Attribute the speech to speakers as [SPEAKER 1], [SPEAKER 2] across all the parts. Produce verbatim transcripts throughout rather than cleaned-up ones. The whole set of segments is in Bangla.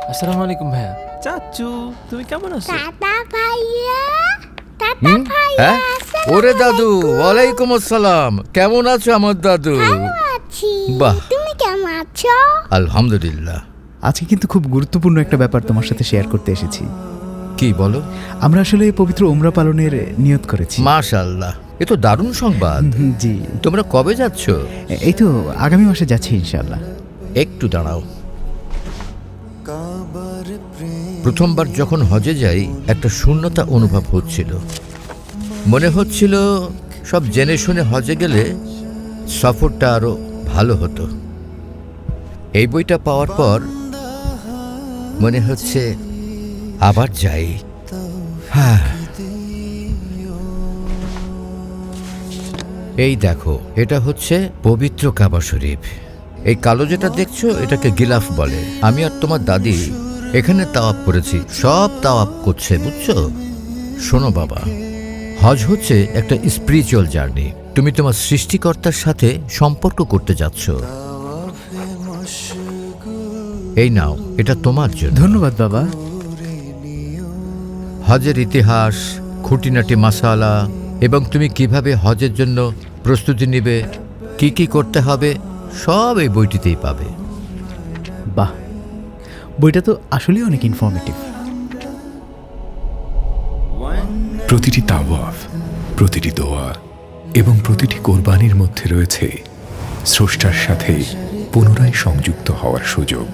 [SPEAKER 1] আসসালামু আলাইকুম ভাইয়া। চাচু তুমি কেমন আছো?
[SPEAKER 2] দাদা ভাইয়া, দাদা ভাইয়া,
[SPEAKER 3] হ্যাঁ ওরে দাদু, ওয়ালাইকুম আসসালাম। কেমন আছো আমার দাদু?
[SPEAKER 2] ভালো আছি।
[SPEAKER 3] বাহ।
[SPEAKER 2] তুমি কেমন আছো?
[SPEAKER 3] আলহামদুলিল্লাহ।
[SPEAKER 4] আজকে কিন্তু খুব গুরুত্বপূর্ণ একটা ব্যাপার তোমার সাথে শেয়ার করতে এসেছি।
[SPEAKER 3] কি বলো?
[SPEAKER 4] আমরা আসলে পবিত্র উমরা পালনের নিয়ত করেছি।
[SPEAKER 3] মাশাআল্লাহ, এ তো দারুণ সংবাদ।
[SPEAKER 4] হুম, জি।
[SPEAKER 3] তোমরা কবে যাচ্ছ?
[SPEAKER 4] এই তো আগামী মাসে যাচ্ছি ইনশাআল্লাহ।
[SPEAKER 3] একটু দাঁড়াও। প্রথমবার যখন হজে যাই একটা শূন্যতা অনুভব হচ্ছিল। মনে হচ্ছিল সব জেনে শুনে হজে গেলে সফরটা আরো ভালো হতো। এই বইটা পাওয়ার পর মনে হচ্ছে আবার যাই। হ্যাঁ, এই দেখো, এটা হচ্ছে পবিত্র কাবা শরীফ। এই কালো যেটা দেখছো এটাকে গিলাফ বলে। আমি আর তোমার দাদি এখানে তাওয়াপ করেছি, সব তাওয়াপ করছে, বুঝছো? শোনো বাবা, হজ হচ্ছে একটা স্পিরিচুয়াল জার্নি। তুমি তোমার সৃষ্টিকর্তার সাথে সম্পর্ক করতে যাচ্ছ। এই নাও, এটা তোমার জন্য।
[SPEAKER 4] ধন্যবাদ বাবা।
[SPEAKER 3] হজের ইতিহাস, খুঁটিনাটি মাসালা এবং তুমি কিভাবে হজের জন্য প্রস্তুতি নেবে, কি কি করতে হবে, সব এই বইটিতেই পাবে।
[SPEAKER 4] বাহ, বইটা তো আসলেই অনেক ইনফরমেটিভ।
[SPEAKER 5] প্রতিটি তাওয়াফ, প্রতিটি দোয়া এবং প্রতিটি কোরবানির মধ্যে রয়েছে স্রষ্টার সাথে পুনরায় সংযুক্ত হওয়ার সুযোগ।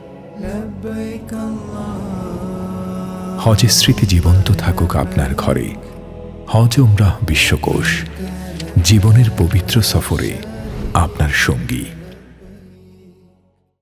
[SPEAKER 5] হজের স্মৃতি জীবন্ত থাকুক আপনার ঘরে। হজ উমরাহ বিশ্বকোষ, জীবনের পবিত্র সফরে আপনার সঙ্গী।